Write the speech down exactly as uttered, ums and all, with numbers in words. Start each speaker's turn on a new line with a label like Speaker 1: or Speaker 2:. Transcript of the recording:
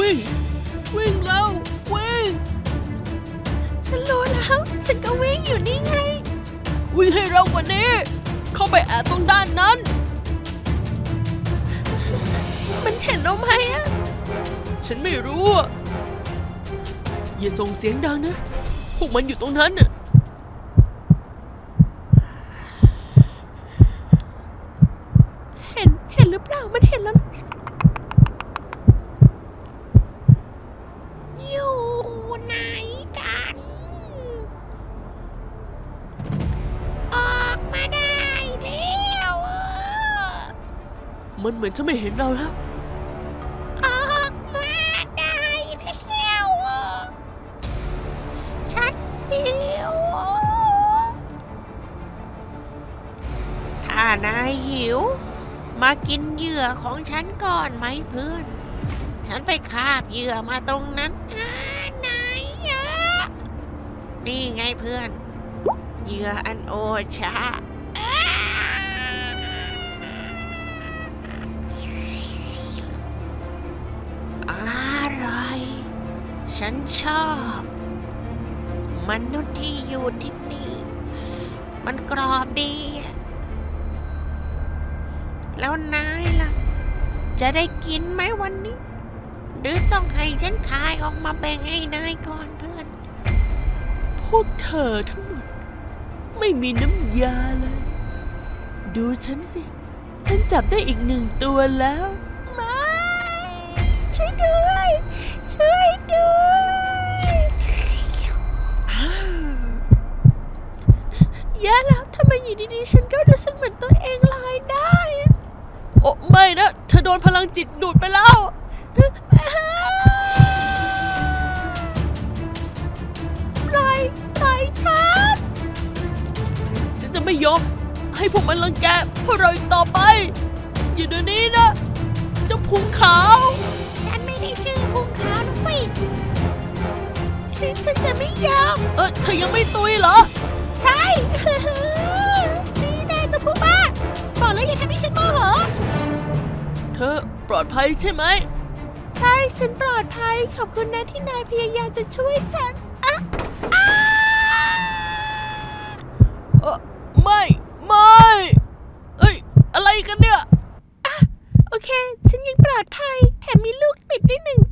Speaker 1: วิ่งวิ่งแล้ววิ่งฉันรู้แล้วฉันก็วิ่งอยู่นี่ไงวิ่งให้เร็วกว่านี้เข้าไปแอบตรงด้านนั้นมันเห็นเราไหมอะฉันไม่รู้อะอย่าส่งเสียงดังนะพวกมันอยู่ตรงนั้นน่ะเห็นเห็นหรือเปล่ามันเห็นแล้วอยู่ไหนกันออกมาได้แล้วมันเหมือนจะไม่เห็นเราแล้วออกมาได้แล้วฉันหิวถ้านายหิวมากินเหยื่อของฉันก่อนไหมเพื่อนฉันไปคาบเหยื่อมาตรงนั้นไหนอ่ะนี่ไงเพื่อนเหยื่ออันโอชาอร่อยฉันชอบมนุษย์ที่อยู่ที่นี่มันกรอบดีแล้วนายล่ะจะได้กินไหมวันนี้หรือต้องให้ฉันขายออกมาแบ่งให้นายก่อนเพื่อนพวกเธอทั้งหมดไม่มีน้ำยาเลยดูฉันสิฉันจับได้อีกหนึ่งตัวแล้วไม่ช่วยด้วยช่วยด้วยแย่แล้วทำไมอยู่ดีๆฉันก็รู้สึกเหมือนตัวเองลอยได้โอ้ไม่นะเธอโดนพลังจิตดูดไปแล้วปล่อยปล่อยฉันฉันจะไม่ยอมให้พวกมันรังแกพวกเราอีกต่อไปอย่าเดี๋ยวนี้นะเจ้าพุงขาวฉันไม่ได้ชื่อพุงขาวนะฟิฉันจะไม่ยอมเออเธอยังไม่ตุยเหรอใช่นี่แน่จะพูดบ้าบอกแล้วอย่าทำให้ฉันโมโหเธอปลอดภัยใช่ไหมใช่ฉันปลอดภัยขอบคุณนะที่นายพยายามจะช่วยฉันอะเออไม่ไม่เอ้ยอะไรกันเนี่ยอะโอเคฉันยังปลอดภัยแถมมีลูกติดได้หนึ่ง